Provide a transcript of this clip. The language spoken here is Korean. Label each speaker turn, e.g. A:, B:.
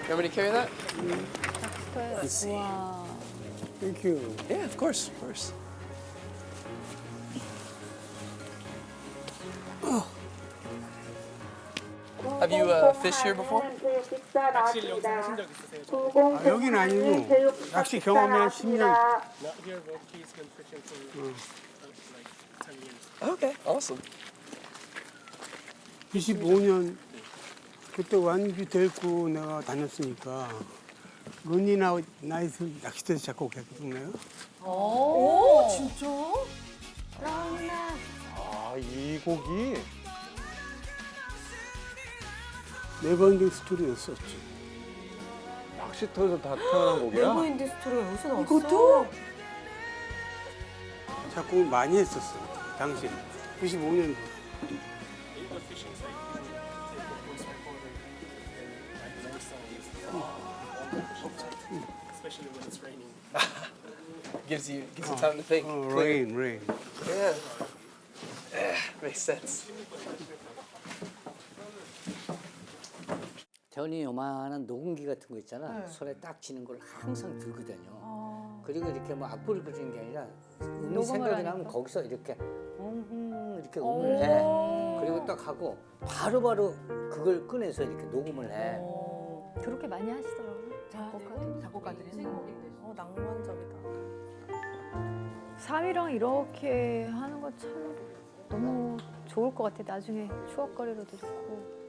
A: want me to carry that?
B: Let's see.
C: 와.
B: Thank you.
A: Yeah, of course, of course. Have you fished here before?
D: 낚시를 여기서 하신 적 있으세요?
B: 아, 여긴 아니고 낚시 경험이 한 10년.
D: Not here, but he's been fishing for like 10 years.
A: Okay, awesome.
B: 95년 그때 완주 데리고 내가 다녔으니까 런니나 나이트 낚시대에서 작곡 했거든요.
C: 오, 진짜?
E: 아, 이 곡이
B: 네버엔딩 스토리였었지.
E: 낚시터에서 다 태어난 곡이야?
C: 네버엔딩 스토리가 여기서 나왔어?
F: 이것도?
B: 작곡을 많이 했었어. 당시 95년도.
D: The fishing site, you take a voice recorder and like learn songs on the fishing site, especially when it's raining.
A: Gives you time to think.
B: 어,
A: clear.
B: rain.
A: Yeah. Makes sense.
G: 태훈이 요만한 녹음기 같은 거 있잖아. 손에 딱 쥐는 걸 항상 들거든요. 그리고 이렇게 뭐 악보를 그리는 게 아니라 음이
C: 녹음을
G: 생각이
C: 하니까?
G: 나면 거기서 이렇게 이렇게 음을 해. 그리고 딱 하고 바로바로 그걸 꺼내서 이렇게 녹음을 해.
C: 그렇게 많이 하시더라고요.
F: 작곡가들이 낭만적이다.
C: 사위랑 이렇게 하는 거 참 너무 좋을 것 같아. 나중에 추억거리로도 좋고.